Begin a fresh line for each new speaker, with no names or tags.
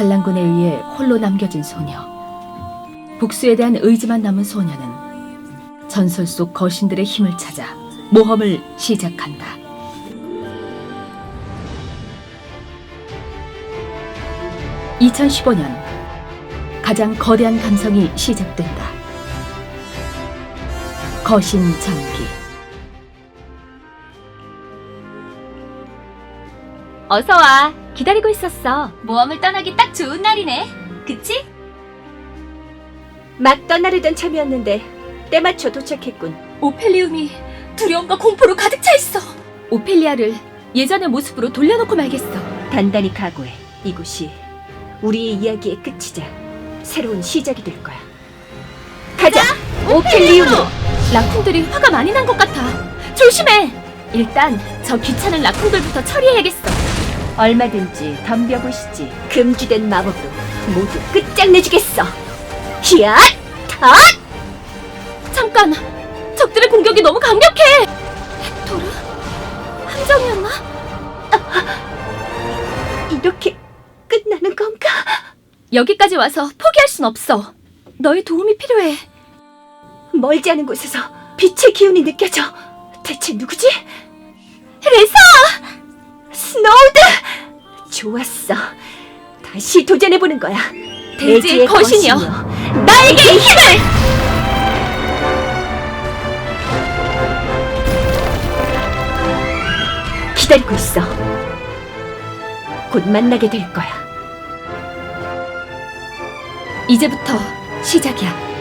반란군에 의해 홀로 남겨진 소녀. 복수에 대한 의지만 남은 소녀는 전설 속 거신들의 힘을 찾아 모험을 시작한다. (2015년) 가장 거대한 감성이 시작된다. 거신 전기.
어서와. 기다리고 있었어. 모험을 떠나기 딱 좋은 날이네. 그치?
막 떠나려던 참이었는데 때맞춰 도착했군.
오펠리움이 두려움과 공포로 가득 차 있어.
오펠리아를 예전의 모습으로 돌려놓고 말겠어.
단단히 각오해. 이곳이 우리의 이야기의 끝이자 새로운 시작이 될 거야. 가자! 오펠리움으로!
라쿤들이 화가 많이 난 것 같아. 조심해! 일단 저 귀찮은 라쿤들부터 처리해야겠어.
얼마든지 덤벼보시지. 금지된 마법으로 모두 끝장내주겠어. 히앗! 탓!
잠깐! 적들의 공격이 너무 강력해! 헥토르? 함정이었나?
이렇게 끝나는 건가?
여기까지 와서 포기할 순 없어. 너의 도움이 필요해.
멀지 않은 곳에서 빛의 기운이 느껴져. 대체 누구지?
레사!
스노우드! 좋았어. 다시 도전해보는 거야.
대지의 거신이여,
나에게 힘을! 기다리고 있어. 곧 만나게 될 거야.
이제부터 시작이야.